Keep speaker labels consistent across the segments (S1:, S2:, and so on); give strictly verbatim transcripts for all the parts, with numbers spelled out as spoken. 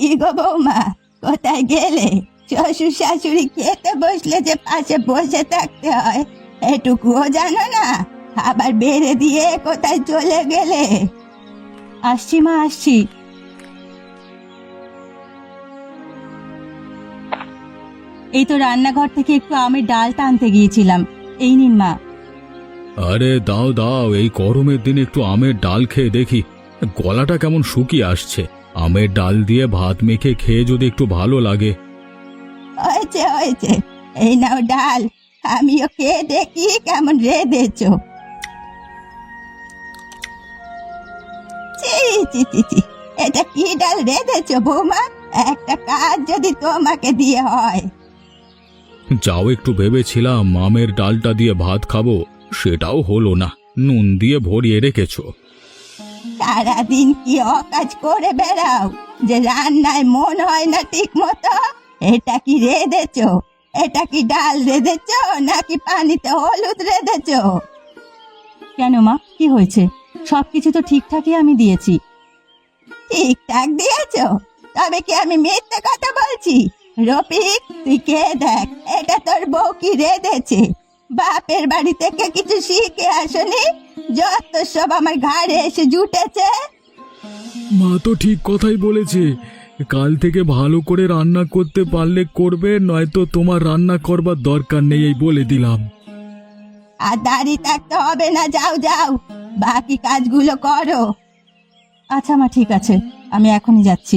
S1: গো বৌমা, কোথায় গেলে? শ্বশুর শাশুড়ি খেতে বসলে যে পাশে বসে থাকতে হয় এটুকুও জানো না? আবার বেড়ে দিয়ে কোথায় চলে গেলে? আসছি মা, আসছি। এই তো রান্নাঘর থেকে একটু আমের ডালটা আনতে গিয়েছিলাম। এই নিন মা।
S2: আরে দাও দাও, এই গরমের দিন একটু আমের ডাল খেয়ে দেখি। গলাটা কেমন শুকিয়ে আসছে। আমের ডাল দিয়ে ভাত মেখে খেয়ে যদি একটু ভালো লাগে।
S1: হয়েছে হয়েছে, এই নাও ডাল, আমিও খেয়ে দেখি কেমন রেঁধেছ। ছি ছি ছি ছি, এটা কি ডাল রেঁধেছ বৌমা? একটা কাজ যদি তোমাকে দিয়ে হয়।
S2: যাও, একটু ভেবেছিলাম আমের ডালটা দিয়ে ভাত খাবো, সেটাও হলো না। নুন দিয়ে ভরিয়ে রেখেছো।
S1: সারাদিন কি অকাজ করে বেড়াও যে রান্নায় মন হয় না ঠিক মতো? এটা কি রেঁধেছ? এটা কি ডাল রেঁধেছ নাকি পানিতে হলুদ রেঁধেছ? কেন মা, কি হয়েছে? সবকিছু তো ঠিকঠাকই আমি দিয়েছি। ঠিকঠাক দিয়েছ? তবে কি আমি মিথ্যে কথা বলছি? রফিক, তুই কে দেখ, এটা তোর বউ কি রেঁধেছে। বাপের বাড়ি থেকে কিছু শিখে আসনি, যত সব আমার ঘাড়ে এসে জুটেছে।
S2: মা তো ঠিক কথাই বলেছে। কাল থেকে ভালো করে রান্না করতে পারলে করবে, নয়তো তোমার রান্না করবার দরকার নেই, এই বলে দিলাম।
S1: আর দাঁড়িয়ে থাকতে হবে না, যাও যাও, বাকি কাজগুলো করো। আচ্ছা মা, ঠিক আছে, আমি এখনই যাচ্ছি।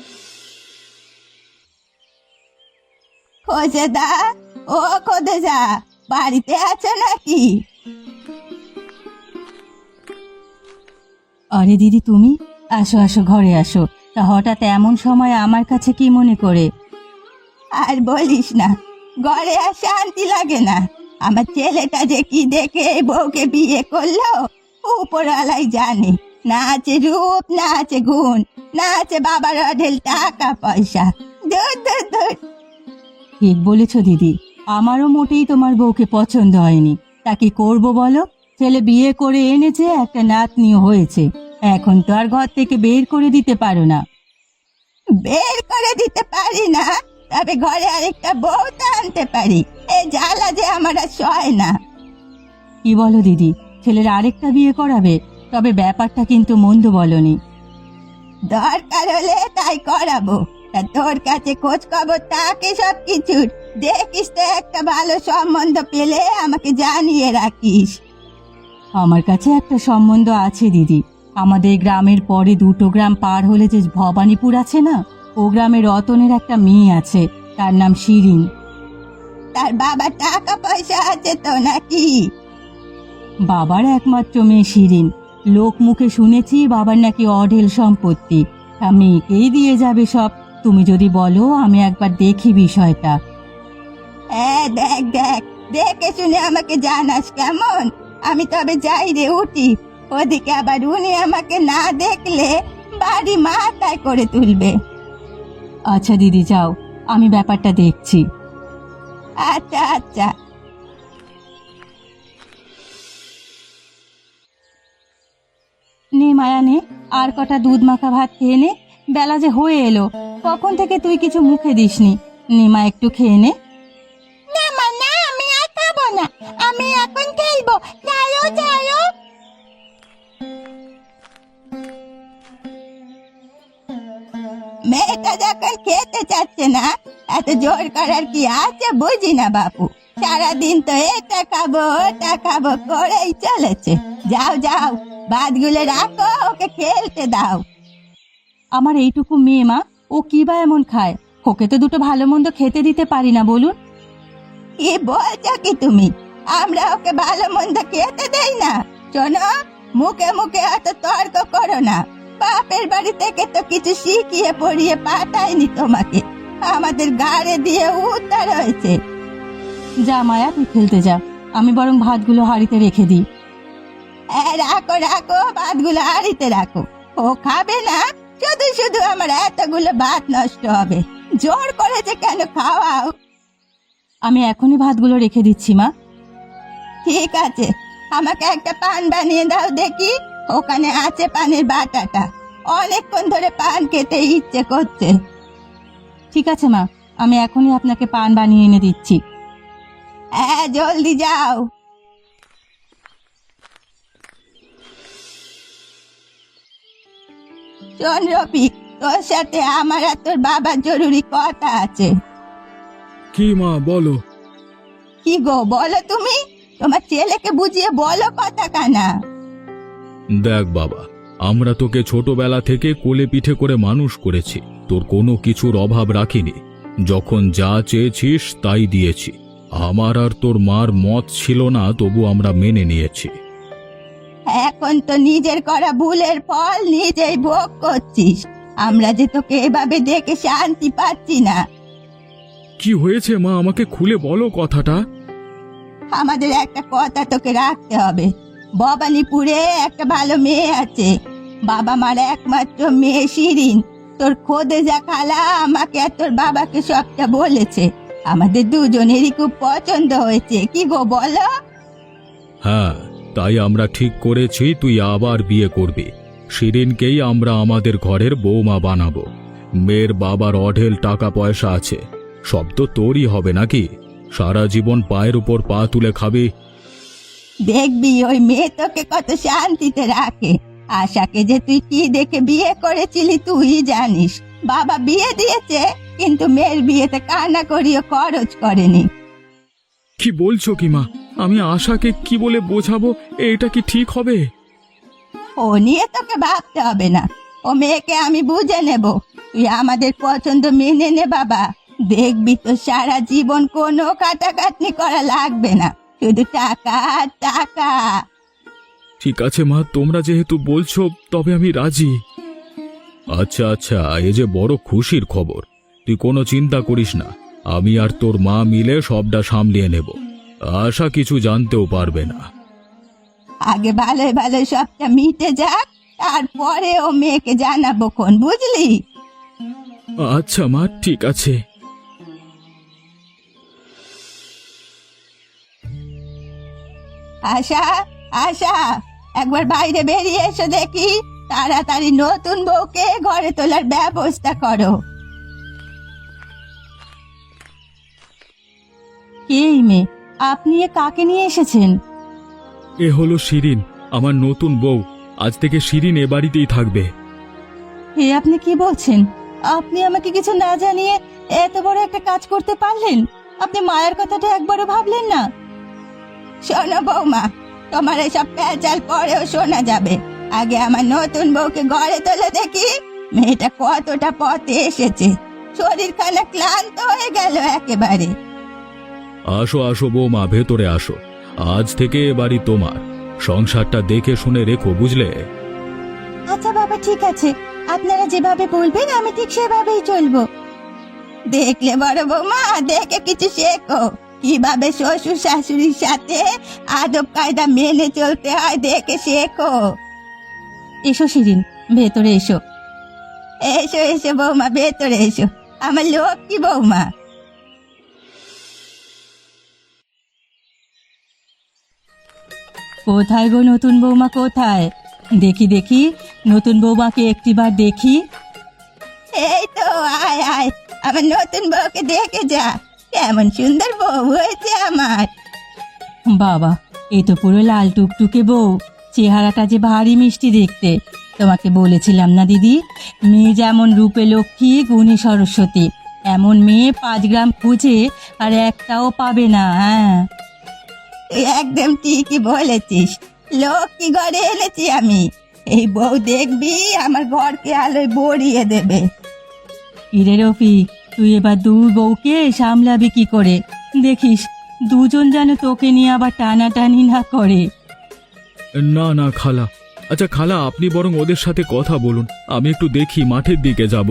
S1: খোঁজে দা, ও খোদে যা, বাড়িতে আছো নাকি? আরে দিদি, তুমি আসো আসো, ঘরে আসো। তা হঠাৎ এমন সময় আমার কাছে কি মনে করে? আর বলিস না, ঘরে আর শান্তি লাগে না। আমার ছেলেটা যে কি দেখে এই বউকে বিয়ে করলো, উপরওয়ালাই জানে। না আছে রূপ, না আছে গুণ, না আছে বাবার অঢেল টাকা পয়সা। দূর দূর দূর। ঠিক বলেছ দিদি, আমারও মোটেই তোমার বউকে পছন্দ হয়নি। তা কি করবো বলো? ছেলে বিয়ে করে এনেছে, একটা নাতনিও হয়েছে। এখন তো আর ঘর থেকে বের করে দিতে পারো না। বের করে দিতে পারি না, তবে ঘরে আরেকটা বউ তো আনতে পারি। এই জ্বালা যে আমার আর সয় না। কি বলো দিদি, ছেলের আরেকটা বিয়ে করাবে? তবে ব্যাপারটা কিন্তু মন্দ বলনি। দরকার হলে তাই করাবো। তা তোর কাছে খোঁজ খবর থাকে সব কিছুর, দেখিস তো একটা ভালো সম্বন্ধ পেলে আমাকে জানিয়ে রাখিস। আমার কাছে একটা সম্বন্ধ আছে দিদি। আমাদের গ্রামের পরে দুটো গ্রাম পার হলে যে ভবানীপুর আছে না, ও গ্রামে রতনের একটা মেয়ে আছে, তার নাম শিরিন। তার বাবা টাকা পয়সা আছে তো নাকি? বাবার একমাত্র মেয়ে শিরিন। লোক মুখে শুনেছি বাবার নাকি অঢেল সম্পত্তি। তা মেয়েকেই দিয়ে যাবে সব। তুমি যদি বলো, আমি একবার দেখি বিষয়টা। হ্যাঁ, দেখ দেখ, দেখে শুনে আমাকে জানাস কেমন? আমি তবে যাই রে, উঠি। ওদিকে আবার উনি আমাকে না দেখলে বাড়ি মাথায় করে তুলবে। আচ্ছা দিদি, যাও, আমি ব্যাপারটা দেখছি। আচ্ছা আচ্ছা। নে মায়া, নে, আর কটা দুধ মাখা ভাত খেয়ে নে। বেলা যে হয়ে এলো, কখন থেকে তুই কিছু মুখে দিসনি। নে মা, একটু খেয়ে নে। না মা, না, আমি আর খাবো না। আমি এখন খেলবো। ছাড়ো ছাড়ো। মেয়েটা যখন খেতে চাচ্ছে না, এত জোর করার কি আছে বুঝি না বাপু। সারাদিন তো এটা খাবো ওটা খাবো করেই চলেছে। যাও যাও, ভাতগুলো রাখো, ওকে খেলতে দাও। আমার এইটুকু মেয়ে মা, ও কি বা এমন খায়? ওকে তো দুটো ভালো মন্দ খেতে দিতে পারি না, বলুন। কি বলছো কি তুমি? আমরা ওকে ভালো মন্দ খেতে দেই না? শোনো, মুখে মুখে এত তর্ক করো না। বাপের বাড়ি থেকে তো কিছু শিখিয়ে পড়িয়ে পাঠায়নি তোমাকে, আমাদের গাড়ে দিয়ে উদ্ধার হয়েছে। যা মায়া, তুই খেলতে যা, আমি বরং ভাতগুলো হাঁড়িতে রেখে দিই। হ্যাঁ, রাখো রাখো, ভাতগুলো হাঁড়িতে রাখো। ও খাবে না, শুধু শুধু আমার এতগুলো ভাত নষ্ট হবে। জোর করেছে কেন, খাওয়াও। আমি এখনই ভাতগুলো রেখে দিচ্ছি মা। ঠিক আছে, আমাকে একটা পান বানিয়ে দাও দেখি। ওখানে আছে পানের বাটাটা, অনেকক্ষণ ধরে পান খেতে ইচ্ছে করছে। ঠিক আছে মা, আমি এখনই আপনাকে পান বানিয়ে এনে দিচ্ছি। হ্যাঁ, জলদি যাও। শোন রফিক, তোর সাথে আমার আর তোর বাবার জরুরি কথা আছে।
S2: কি মা, বলো।
S1: কি গো, বলো তুমি। তোমার ছেলেকে বুঝিয়ে বলো কথা কানা।
S2: দেখ বাবা, আমরা তোকে ছোটবেলা থেকে কোলে পিঠে করে মানুষ করেছি, তোর কোনো কিছুর অভাব রাখিনি। যখন যা চেয়েছিস তাই দিয়েছি। আমার আর তোর মার মত ছিল না, তবু আমরা মেনে নিয়েছি।
S1: এখন তো নিজের করা ভুলের ফল নিজেই ভোগ করছিস। আমরা যে তোকে এভাবে দেখে শান্তি পাচ্ছি না।
S2: কি হয়েছে মা, আমাকে খুলে বলো কথাটা।
S1: আমাদের একটা কথা তোকে রাখতে হবে। ভবানীপুরে একটা ভালো মেয়ে আছে, বাবা মার একমাত্র মেয়ে শিরিন। তোর খোদেজা খালা আমাকে আর তোর বাবাকে সবটা বলেছে। আমাদের দুজনেরই খুব পছন্দ হয়েছে। কি গো বলো?
S2: হ্যাঁ, তাই আমরা ঠিক করেছি তুই আবার বিয়ে করবি। শিরিনকেই আমরা আমাদের ঘরের বৌমা বানাবো। মেয়ের বাবার অঢেল টাকা পয়সা আছে, সব তো তোরই হবে নাকি? সারা জীবন পায়ের উপর পা তুলে খাবি।
S1: দেখবি ওই মেয়ে তোকে কত শান্তিতে রাখে। আশাকে যে তুই কি দেখে বিয়ে করেছিলি তুই জানিস। বাবা বিয়ে দিয়েছে, কিন্তু মেয়ের বিয়েতে কান্না করিও খরচ করেনি।
S2: কি বলছো কি মা? আমি আশাকে কি বলে বোঝাবো? এটা কি ঠিক হবে?
S1: ও নিয়ে তোকে ভাবতে হবে না, ও মেয়েকে আমি বুঝে নেব। তুই আমাদের পছন্দ মেনে নে বাবা। দেখবি তো সারা জীবন কোনো খাটাখাটনি করা লাগবে না, শুধু টাকা আর টাকা।
S2: ঠিক আছে মা, তোমরা যেহেতু বলছো তবে আমি রাজি। আচ্ছা আচ্ছা, এ যে বড় খুশির খবর। তুই কোনো চিন্তা করিস না, আমি আর তোর মা মিলে সবটা সামলিয়ে নেব। আশা কিছু জানতেও পারবে না।
S1: আগে ভালোই ভালোই সবটা মিটে যাক, তারপরে ও মেয়েকে জানাবো কোন, বুঝলি?
S2: আচ্ছা মা, ঠিক আছে।
S1: আশা, আশা, একবার বাইরে বেরিয়ে এসো দেখি। তাড়াতাড়ি নতুন বউকে ঘরে তোলার ব্যবস্থা করো। এই মেয়ে, আপনি এ কাকে নিয়ে এসেছেন?
S2: এ হলো শিরিন, আমার নতুন বউ। আজ থেকে শিরিন এ বাড়িতেই থাকবে।
S1: এ আপনি কি বলছেন? আপনি আমাকে কিছু না জানিয়ে এত বড় একটা কাজ করতে পারলেন? আপনি মায়ের কথাটা একবারও ভাবলেন না? শোনো বৌমা, তোমার এসব প্যাচাল পরেও শোনা যাবে। আগে আমার নতুন বউকে ঘরে তোলে দেখি। মেয়েটা কতটা পথে এসেছে, শরীর খানা ক্লান্ত হয়ে গেল একেবারে।
S2: আসো আসো বৌমা, ভেতরে আসো। আজ থেকে এ বাড়ি তোমার। সংসারটা দেখে শুনে রেখো, বুঝলে?
S1: আচ্ছা বাবা, ঠিক আছে, আপনারা যেভাবে বলবেন আমি ঠিক সেভাবেই চলবো। দেখলে বড় বৌমা, দেখে কিছু শেখো। কিভাবে শ্বশুর শাশুড়ির সাথে আদব কায়দা মেনে চলতে হয় দেখে শেখো। এসো শিরিন, ভেতরে এসো। এসো এসো বৌমা, ভেতরে এসো, আমার লক্ষ্মী বৌমা। কোথায় গো নতুন বৌমা, কোথায়? দেখি দেখি নতুন বৌমাকে একটিবার দেখি। এই তো, আয় আয়, আমার নতুন বউকে দেখে যা। কেমন সুন্দর বউ হয়েছে আমার। বাবা, এ তো পুরো লাল টুকটুকে বউ। চেহারাটা যে ভারী মিষ্টি দেখতে। তোমাকে বলেছিলাম না দিদি, মেয়ে যেমন রূপে লক্ষ্মী গুণী সরস্বতী, এমন মেয়ে পাঁচ গ্রাম খুঁজে আর একটাও পাবে না। হ্যাঁ, তুই একদম ঠিকই বলেছিস। লক্ষ্মী ঘরে এনেছি আমি। এই বউ দেখবি আমার ঘরকে আলোয় ভরিয়ে দেবে। ইরে রফিক, তুই এবার দু বউকে সামলাবি কি করে? দেখিস দুজন যেন তোকে নিয়ে আবার টানাটানি না করে।
S2: না না খালা। আচ্ছা খালা, আপনি বরং ওদের সাথে কথা বলুন, আমি একটু দেখি, মাঠের দিকে যাব।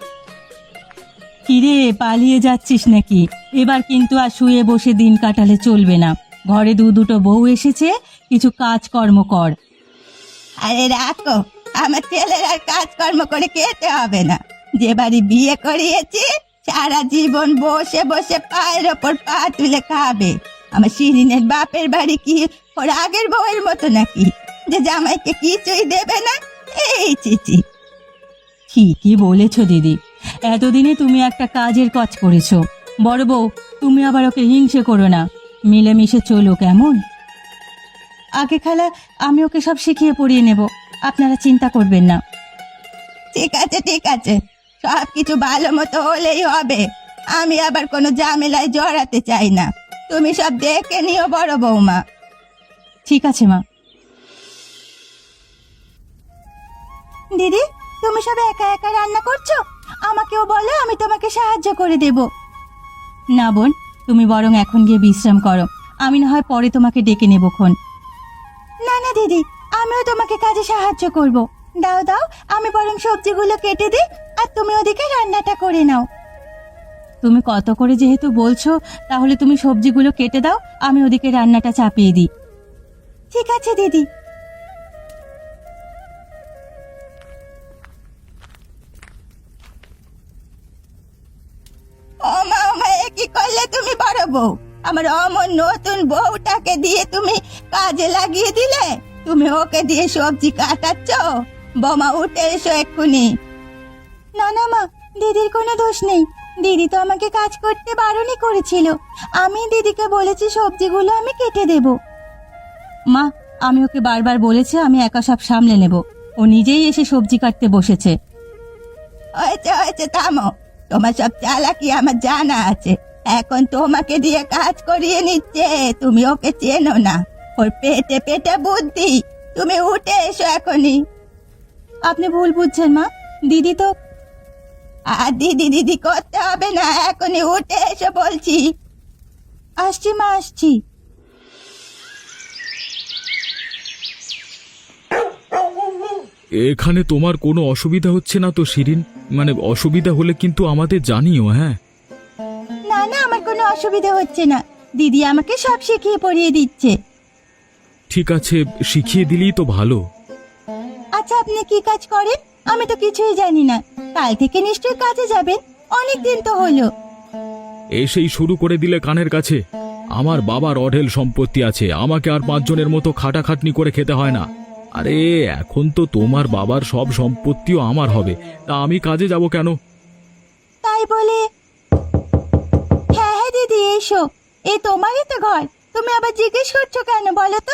S1: কিরে, পালিয়ে যাচ্ছিস নাকি? এবার কিন্তু আর শুয়ে বসে দিন কাটালে চলবে না। ঘরে দু দুটো বউ এসেছে, কিছু কাজকর্ম কর। আরে রাখো, আমার ছেলের আর কাজকর্ম করে খেতে হবে না। যে বাড়ি বিয়ে করিয়েছি সারা জীবন বসে বসে পায়ের ওপর পা তুলে খাবে। আমার শিরিনের বাপের বাড়ি কি ওর আগের বউয়ের মতো নাকি, যে জামাইকে কিছুই দেবে না? এই চিচি, ঠিকই বলেছ দিদি। এতদিনে তুমি একটা কাজের কাজ করেছো। বড় বউ, তুমি আবার ওকে হিংসে করো না, মিলেমিশে চলো কেমন? আগে খালা, আমি ওকে সব শিখিয়ে পড়িয়ে নেব, আপনারা চিন্তা করবেন না। ঠিক আছে ঠিক আছে, সব কিছু ভালো মতো হলেই হবে। আমি আবার কোনো ঝামেলায় জড়াতে চাই না। তুমি সব দেখে নিও বড় বৌমা। ঠিক আছে মা। দিদি, তুমি সব একা একা রান্না করছো? আমাকেও বলো, আমি তোমাকে সাহায্য করে দেব। না বোন, তুমি বরং এখন গিয়ে বিশ্রাম করো, আমি না হয় পরে তোমাকে ডেকে নেবক্ষণ। না না দিদি, আমিও তোমাকে কাজে সাহায্য করব। দাও দাও, আমি বরং সবজিগুলো কেটে দিই, আর তুমি ওদিকে রান্নাটা করে নাও। তুমি কত করে যেহেতু বলছো, তাহলে তুমি সবজিগুলো কেটে দাও, আমি ওদিকে রান্নাটা চাপিয়ে দিই। ঠিক আছে দিদি। ও মা, ও মা, এ কি করলে তুমি বড় বউ? আমার অমন নতুন বউটাকে দিয়ে তুমি কাজে লাগিয়ে দিলে। তুমি ওকে দিয়ে সবজি কাটাচ্ছ? বৌমা, উঠে এসো এক্ষুনি। না না মা, দিদির কোনো দোষ নেই। দিদি তো আমাকে কাজ করতে বারণই করেছিল। আমি দিদিকে বলেছি সবজিগুলো আমি কেটে দেব। মা, আমি ওকে বারবার বলেছি আমি একা সব সামলে নেব, ও নিজেই এসে সবজি কাটতে বসেছে। হয়েছে হয়েছে, থামো। তোমার সব চালাকি আমার জানা আছে। এখন তোমাকে দিয়ে কাজ করিয়ে নিচ্ছে, তুমি ওকে চেনো না। ওর পেটে পেটে বুদ্ধি। তুমি উঠে এসো এখনই। আপনি ভুল বুঝছেন মা, দিদি তো। আর দিদি দিদি করতে হবে না, এখনই উঠে এসো বলছি। আসছি মা, আসছি।
S2: এখানে তোমার কোনো অসুবিধা হচ্ছে না তো শিরিন? মানে অসুবিধা হলে কিন্তু আমাদের জানিও। হ্যাঁ,
S1: না না, আমার কোনো অসুবিধা হচ্ছে না। দিদি আমাকে সব শিখিয়ে পড়িয়ে দিচ্ছে।
S2: ঠিক আছে, শিখিয়ে দিলেই তো ভালো।
S1: আচ্ছা, আপনি কি কাজ করেন? আমি তো কিছুই জানি না। কাল থেকে নিশ্চয়ই কাজে যাবেন, অনেক দিন তো হলো।
S2: এসেই শুরু করে দিলে কানের কাছে। আমার বাবার অঢেল সম্পত্তি আছে, আমাকে আর পাঁচজনের মতো খাটাখাটনি করে খেতে হয় না। আরে এখন তো তোমার বাবার সব সম্পত্তিও আমার হবে, তা আমি কাজে যাব কেন?
S1: তাই বলে? হ্যাঁ হ্যাঁ দিদি, এসো। এ তোমারই তো ঘর, তুমি আবার জিজ্ঞেস করছো কেন বলো তো?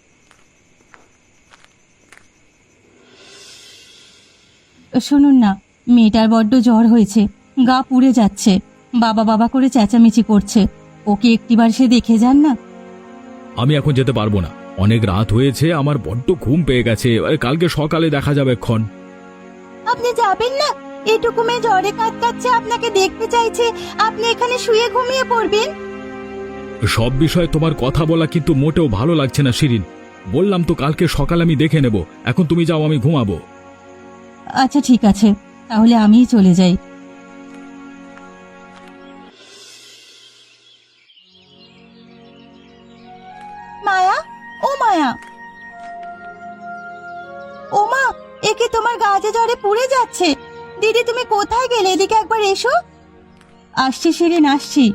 S1: শুনুন না, মেয়েটার বড্ড জ্বর হয়েছে, গা পুড়ে যাচ্ছে, বাবা বাবা করে চেঁচামেচি করছে। ওকে একটিবার সে দেখে যান না।
S2: আমি এখন যেতে পারবো না, অনেক রাত হয়েছে, আমার বড্ড ঘুম পেয়ে গেছে। আরে কালকে সকালে দেখা যাবে এক্ষণ।
S1: আপনি যাবেন না? এটুকু মেয়ে জ্বরে কাতকাচ্ছে, আপনাকে দেখতে চাইছে, আপনি এখানে শুয়ে ঘুমিয়ে পড়বেন?
S2: সব বিষয়ে তোমার কথা বলা কিন্তু মোটেও ভালো লাগছে না শিরিন। বললাম তো কালকে সকালে আমি দেখে নেব, এখন তুমি যাও, আমি ঘুমাবো।
S1: আচ্ছা ঠিক আছে, তাহলে আমিই চলে যাই। মায়া, ও মায়া, ও মা, একে তোমার গাছে জ্বরে পুড়ে যাচ্ছে। দিদি তুমি কোথায় গেলে? এদিকে একবার এসো। আসছি শিরিন, আসছি।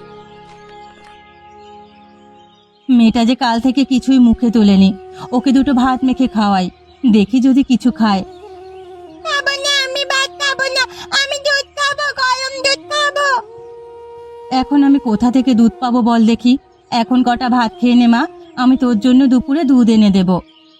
S1: মেয়েটা যে কাল থেকে কিছুই মুখে তোলেনি, ওকে দুটো ভাত মেখে খাওয়াই, দেখি যদি কিছু খায়। খাবো না, আমি ভাত খাবো না, আমি দুধ খাবো, গরম দুধ খাবো। এখন আমি কোথা থেকে দুধ পাবো বল দেখি? এখন কটা ভাত খেয়ে নে মা, আমি তোর জন্য দুপুরে দুধ এনে দেব।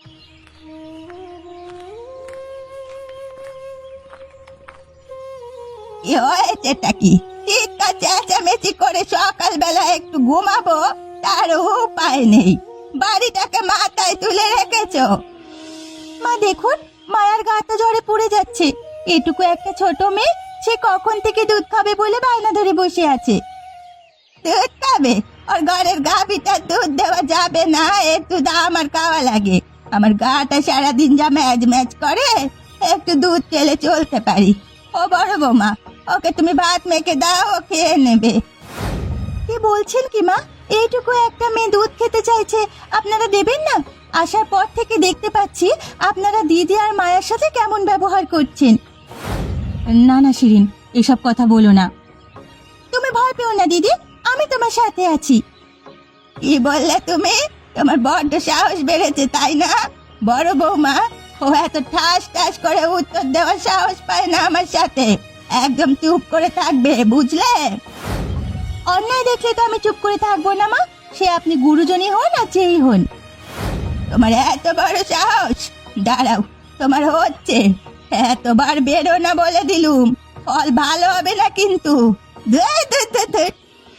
S1: কি হয়েছেটা কি? চিৎকার চেঁচামেচি করে সকালবেলা একটু ঘুমাবো, তার উপায় নেই। বাড়িটাকে মাথায় তুলে রেখেছো। মা দেখুন, মায়ার গাটা জ্বরে পুড়ে যাচ্ছে। এটুকু একটা ছোট মেয়ে, সে কখন থেকে দুধ খাবে বলে বায়না ধরে বসে আছে। দুধ খাবে? ওর ঘরের গাভীটা দুধ দেওয়া যাবে না, এর দুধ আমার খাওয়া লাগে। আমার গাটা সারাদিন যা ম্যাজ ম্যাজ করে, একটু দুধ খেলে চলতে পারি। ও বড় বৌমা, ওকে তুমি ভাত মেখে দাও, ও খেয়ে নেবে। কি বলছেন কি মা? এইটুকু একটা মেয়ে দুধ খেতে চাইছে, আপনারা দেবেন না? আসার পর থেকে দেখতে পাচ্ছি আপনারা দিদি আর মায়ের সাথে কেমন ব্যবহার করছেন। না না শিরিন, এসব কথা বলো না। তুমি ভয় পেও না দিদি, আমি তোমার সাথে আছি। কি বললে তুমি? তোমার বড্ড সাহস বেড়েছে তাই না? বড় বৌমা, ও এত ঠাস ঠাস করে উত্তর দেওয়ার সাহস পায় না আমার সাথে। একদম চুপ করে থাকবে, বুঝলে? অন্যায় দেখলে তো আমি চুপ করে থাকবো না মা, সে আপনি গুরুজনই হন আর যেই হন। তোমার এত বড় সাহস! দাঁড়াও, তোমার হচ্ছে। এতবার বেরো না বলে দিলুম, ফল ভালো হবে না কিন্তু। ধুর, ধুর, ধুর, ধুর।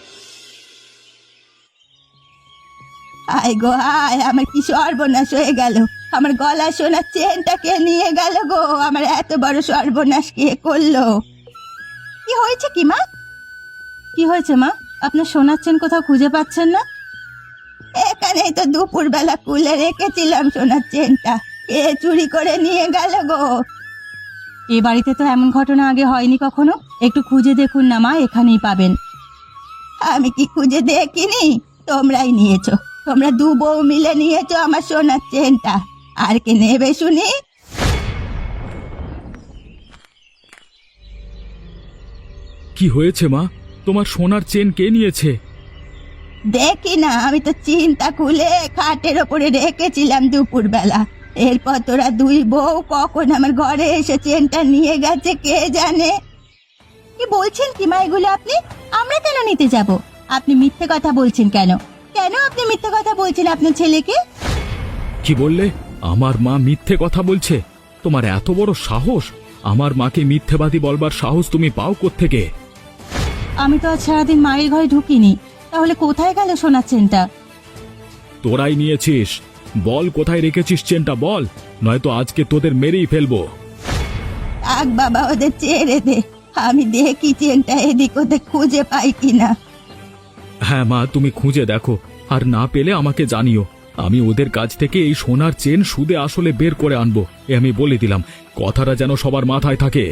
S1: আয় গো আয়, আমার কি সর্বনাশ হয়ে গেল! আমার গলা সোনার চেনটা কে নিয়ে গেল গো? আমার এত বড় সর্বনাশ কে করলো? কি হয়েছে কি মা? কি হয়েছে মা? আপনার সোনার চেন কোথাও খুঁজে পাচ্ছেন না? এখানেই তো দুপুর বেলা খুলে রেখেছিলাম সোনার চেনটা, কে চুরি করে নিয়ে গেল গো? এ বাড়িতে তো এমন ঘটনা আগে হয়নি কখনো। একটু খুঁজে দেখুন না মা, এখানেই পাবেন। আমি কি খুঁজে দেখিনি? তোমরাই নিয়েছো, তোমরা দু বউ মিলে নিয়েছো আমার সোনার চেনটা। আর কে নেবে শুনি?
S2: কি হয়েছে মা? তোমার সোনার চেন কে নিয়েছে?
S1: দেখি না, আমি তো চিন্তা খুলে খাটের ওপরে রেখেছিলাম দুপুর বেলা। এরপর তোরা দুই বউ কখন আমার ঘরে এসে চেনটা নিয়ে গেছে কে জানে। কি বলছেন কি মা এগুলো আপনি? আমরা কেন নিতে যাব? আপনি মিথ্যে কথা বলছেন কেন? কেন আপনি মিথ্যে কথা বলছেন আপনার ছেলেকে?
S2: কি বললে? আমার মা মিথ্যে কথা বলছে? তোমার এত বড় সাহস! আমার মাকে মিথ্যেবাদী বলবার সাহস তুমি পাও কোত্থেকে?
S1: আমি তো আজ সারাদিন মায়ের ঘরে ঢুকিনি, তাহলে কোথায় গেল সোনার চেনটা?
S2: তোরাই নিয়েছিস। বল কোথায় রেখেছিস চেনটা, বল, নয়তো আজকে তোদের মেরেই ফেলবো।
S1: আগ বাবা, ওদের ছেড়ে দে, আমি দেখি চেনটা এদিক ওদের খুঁজে পাই কিনা।
S2: হ্যাঁ মা, তুমি খুঁজে দেখো, আর না পেলে আমাকে জানিও। আমি ওদের কাছ থেকে এই সোনার চেন সুদে আসলে বের করে আনবো, এ আমি বলে দিলাম। কথাটা যেন সবার মাথায় থাকে।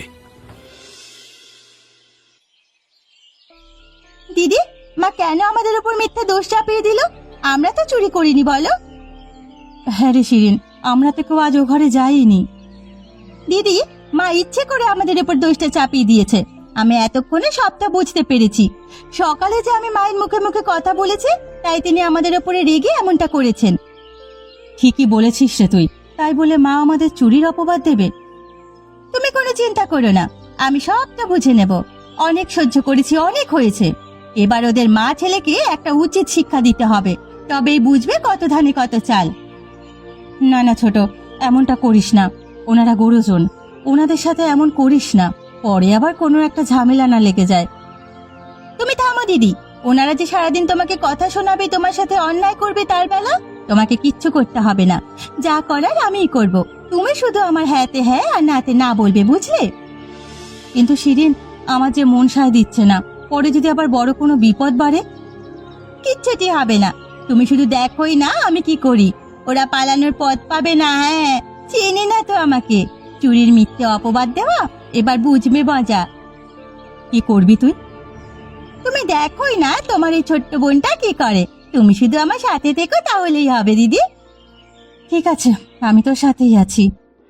S1: দিদি, মা কেন আমাদের উপর মিথ্যে দোষ চাপিয়ে দিল? আমরা তো চুরি করিনি বলো। হ্যাঁ রে শিরিন, আমরা তো কেউ আজ ও ঘরে যাইনি। দিদি, মা ইচ্ছে করে আমাদের উপর দোষটা চাপিয়ে দিয়েছে। আমি এতক্ষণে সবটা বুঝতে পেরেছি। সকালে যে আমি মায়ের মুখে মুখে কথা বলেছি, তাই তিনি আমাদের উপরে রেগে এমনটা করেছেন। ঠিকই বলেছিস রে তুই। তাই বলে মা আমাদের চুরির অপবাদ দেবে? তুমি কোনো চিন্তা করো না, আমি সবটা বুঝে নেব। অনেক সহ্য করেছি, অনেক হয়েছে। এবার ওদের মা ছেলেকে একটা উচিত শিক্ষা দিতে হবে, তবেই বুঝবে কত ধানে কত চাল। না না ছোট, এমনটা করিস না। ওনারা গুরুজন, ওনাদের সাথে এমন করিস না, পরে আবার কোনো একটা ঝামেলা না লেগে যায়। তুমি থামো দিদি, ওনারা যে সারাদিন তোমাকে কথা শোনাবে, তোমার সাথে অন্যায় করবে, তার বেলা তোমাকে কিচ্ছু করতে হবে না। যা করার আমিই করব, তুমি শুধু আমার হ্যাঁতে হ্যাঁ আর নাতে না বলবে, বুঝলে? কিন্তু শিরিন, আমার যে মন সায় দিচ্ছে না, পরে যদি আবার বড় কোনো বিপদ বাড়ে। কিচ্ছুটি হবে না, তুমি শুধু দেখোই না আমি কি করি। ওরা পালানোর পথ পাবে না। হ্যাঁ, চিনি না তো আমাকে? চুরির মিথ্যে অপবাদ দেওয়া, এবার বুঝবে মজা। কি করবি তুই? তুমি দেখোই না তোমার এই ছোট্ট বোনটা কি করে। তুমি শুধু আমার সাথে থেকো, তাহলেই হবে দিদি। ঠিক আছে, আমি তোর সাথেই আছি।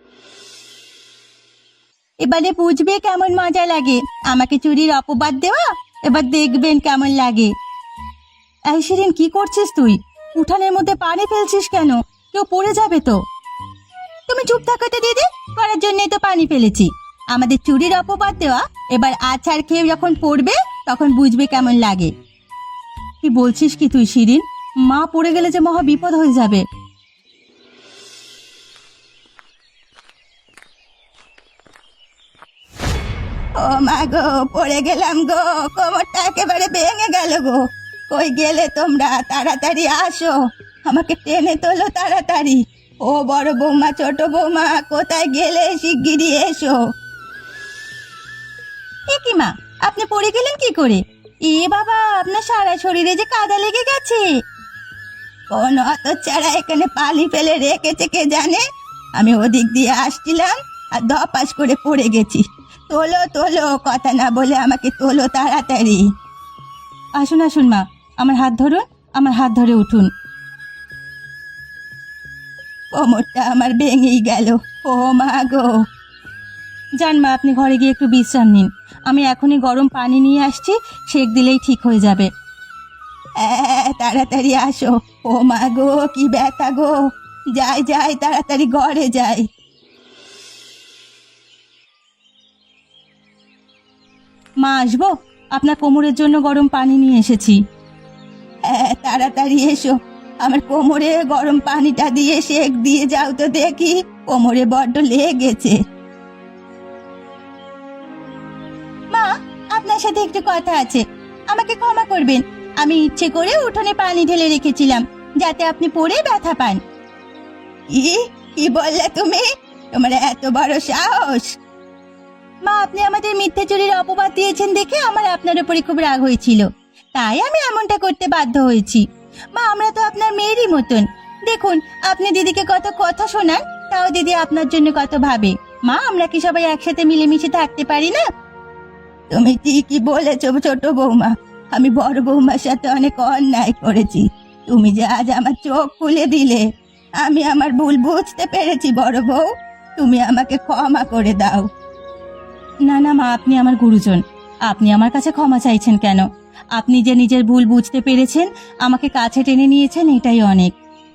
S1: এবারে বুঝবে কেমন মজা লাগে আমাকে চুরির অপবাদ দেওয়া। এবার দেখবেন কেমন লাগে। এই শিরিন, কি করছিস তুই? উঠানের মধ্যে পানি ফেলছিস কেন? কেউ পড়ে যাবে তো। তুমি চুপ থাকো তো দিদি, করার জন্যই তো পানি ফেলেছি। আমাদের চুরির অপবাদ দেওয়া, এবার আছাড় খেয়ে যখন পড়বে তখন বুঝবে কেমন লাগে। কি বলছিস কি তুই শিরিন? মা পড়ে গেলে যে মহা বিপদ হয়ে যাবে। ও মা গো, পড়ে গেলাম গো, কোমরটা একেবারে ভেঙে গেল গো। কই গেলে তোমরা? তাড়াতাড়ি আসো, আমাকে টেনে তোলো তাড়াতাড়ি। ও বড় বৌমা, ছোট বৌমা, কোথায় গেলে? শিগগিরই এসো। এ কি মা, আপনি পড়ে গেলেন কি করে? এ বাবা, আপনার সারা শরীরে যে কাদা লেগে গেছে। কোন হতচ্ছাড়া এখানে পালি ফেলে রেখেছে কে জানে। আমি ওদিক দিয়ে আসছিলাম আর ধপাস করে পড়ে গেছি। তোলো তোলো, কথা না বলে আমাকে তোলো তাড়াতাড়ি। আসুন আসুন মা, আমার হাত ধরুন, আমার হাত ধরে উঠুন। কোমরটা আমার ভেঙেই গেল। ও মা গো। যান মা, আপনি ঘরে গিয়ে একটু বিশ্রাম নিন। আমি এখনই গরম পানি নিয়ে আসছি, সেক দিলেই ঠিক হয়ে যাবে। হ্যাঁ, তাড়াতাড়ি আসো। ও মা গো, কি ব্যথা গো। যাই যাই, তাড়াতাড়ি ঘরে যাই। মা আসবো, আপনার কোমরের জন্য গরম পানি নিয়ে এসেছি। হ্যাঁ, তাড়াতাড়ি এসো, আমার কোমরে গরম পানিটা দিয়ে সেক দিয়ে যাও তো দেখি, কোমরে বড্ড লেগেছে। মা, আপনার সাথে একটু কথা আছে, আমাকে ক্ষমা করবেন। আমি ইচ্ছে করে উঠোনে পানি ঢেলে রেখেছিলাম যাতে আপনি পড়ে ব্যথা পান। কি কি বললে তুমি? তোমার এত বড় সাহস! মা, আপনি আমাদের মিথ্যে চুরির অপবাদ দিয়েছেন দেখে আমার আপনার উপরে খুব রাগ হয়েছিল, তাই আমি এমনটা করতে বাধ্য হয়েছি। মা, আমরা তো আপনার মেয়েরই মতন। দেখুন, আপনি দিদিকে কত কথা শোনান, তাও দিদি আপনার জন্য কত ভাবে। মা, আমরা কি সবাই একসাথে মিলেমিশে থাকতে পারি না? তুমি ঠিকই বলেছ ছোট বৌমা, আমি বড় বৌমার সাথে অনেক অন্যায় করেছি। তুমি যে আজ আমার চোখ খুলে দিলে, আমি আমার ভুল বুঝতে পেরেছি বড় বউ, তুমি আমাকে ক্ষমা করে দাও। না না মা, আপনি আমার গুরুজন, আপনি আমার কাছে ক্ষমা চাইছেন কেন? আপনি যে নিজের ভুল বুঝতে পেরেছেন, আমাকে কাছে টেনে নিয়েছেন, এটাই অনেক।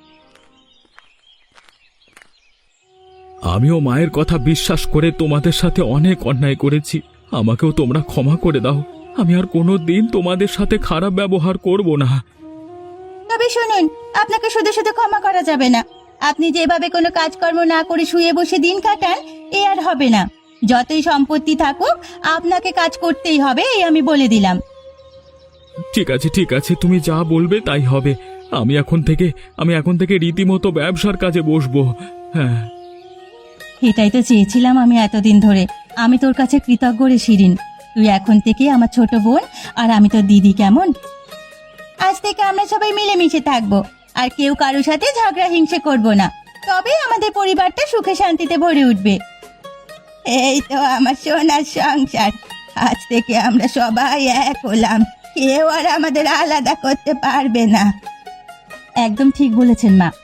S2: আমিও মায়ের কথা বিশ্বাস করে তোমাদের সাথে অনেক অন্যায় করেছি, আমাকেও তোমরা ক্ষমা করে দাও। আমি আর কোনো দিন তোমাদের সাথে খারাপ ব্যবহার করব না।
S1: তবে শুনুন, আপনাকে শুধু শুধু ক্ষমা করা যাবে না। আপনি যেভাবে কোনো কাজকর্ম না করে শুয়ে বসে দিন কাটান, এ আর হবে না। যতই সম্পত্তি থাকুক, আপনাকে কাজ করতেই হবে, এই আমি বলে দিলাম।
S2: ঠিক আছে ঠিক আছে, তুমি যা বলবে তাই হবে। আমি এখন থেকে আমি এখন থেকে রীতিমতো ব্যবসার কাজে বসবো। হ্যাঁ,
S1: এটাই তো চেয়েছিলাম আমি এতদিন ধরে। আমি তোর কাছে কৃতজ্ঞ রে শিরিন, তুই এখন থেকে আমার ছোট বোন, আর আমি তোর দিদি। কেমন? আজ থেকে আমরা সবাই মিলেমিশে থাকবো, আর কেউ কারোর সাথে ঝগড়া হিংসে করব না, তবে আমাদের পরিবারটা সুখে শান্তিতে ভরে উঠবে। এই তো আমার সোনার সংসার, আজ থেকে আমরা সবাই এক হলাম, কেউ আর আমাদের আলাদা করতে পারবে না। একদম ঠিক বলেছেন মা।